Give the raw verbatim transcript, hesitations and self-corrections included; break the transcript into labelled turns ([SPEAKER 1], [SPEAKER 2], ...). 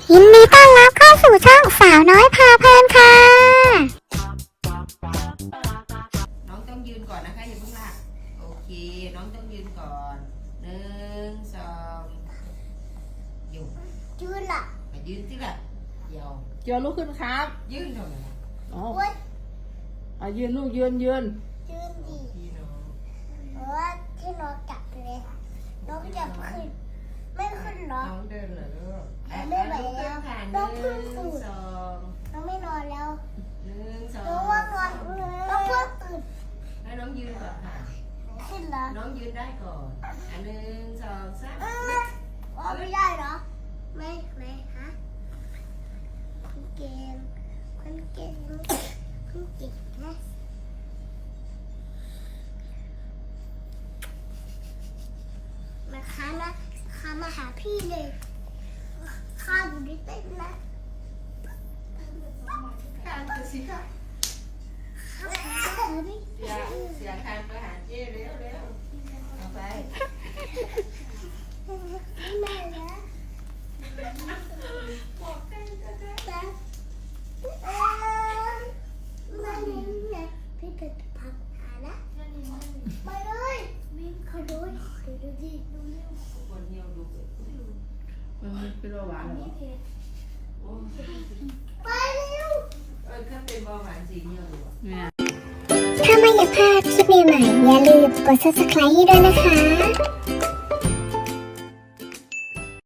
[SPEAKER 1] ยินดีต้อนรับเข้าสู่ช่องสาวน้อยพาเพลินค่ะ
[SPEAKER 2] น้องต้องยืนก่อนนะคะอย่าเพิ่งลากโอเคน้องต้องยืนก่อนหนึ่งสองอยู่
[SPEAKER 1] ยืนล่ะ
[SPEAKER 2] มายืนสิล่ะเดี๋ยว
[SPEAKER 3] เจียวลุกขึ้นครับ
[SPEAKER 2] ยืนหน่อย
[SPEAKER 3] อ๋ออ่ะยืนลูกยืนยืน
[SPEAKER 1] ยืนดี
[SPEAKER 2] พี่น้อง
[SPEAKER 1] เพราะว่าที่น้องจับเลยน้องจับขึ้นไม่ขึ้นหรอ
[SPEAKER 2] น้องเดินเหรอลูก
[SPEAKER 1] ไม่ไหวแล้วน้องเพิ่งตื่น
[SPEAKER 2] สอง
[SPEAKER 1] น้องไม่นอนแล้ว
[SPEAKER 2] หนึ่งสอง
[SPEAKER 1] น้องว่านอนน้องเพิ่งตื่น
[SPEAKER 2] ให้น้องยืนก่อนค่ะ
[SPEAKER 1] ขึ้นแล้ว
[SPEAKER 2] น้องยืนได้ก่อนอันหนึ่งสองสาม
[SPEAKER 1] อ๋อไม่ได้เหรอไม่ไม่ฮะคุณเก่งคุณเก่งคุณเก่งนะมาค้านะค้ามาหาพี่เลยข้าอยู่ในเต้นนะ
[SPEAKER 2] คานไปสิค่ะ
[SPEAKER 1] ข้าหาพี่
[SPEAKER 2] เสียเสียคานไปหาเจ้เร็วเร็วเอาไป
[SPEAKER 1] แม่นะ
[SPEAKER 2] บอกได้ก็ได้
[SPEAKER 1] แต่เออไม่เนี่ยพี่เป็นพักหานะไปเลยวิ่งเขาดูเดี๋ยวดูดิดูเร็ว
[SPEAKER 2] คนเหี่ยวดูเกิด
[SPEAKER 3] มันเป็นเบาหวานเหรอ
[SPEAKER 2] โอ้
[SPEAKER 1] ไปเร็ว
[SPEAKER 2] เออถ้าเป็นเบาหวานสีเหี่ยวดูอ่ะ
[SPEAKER 3] เนี่ย
[SPEAKER 1] ถ้าไม่อยากพลาดคลิปใหม่ๆอย่าลืมกด ซับสไครบ์ ให้ด้วยนะคะ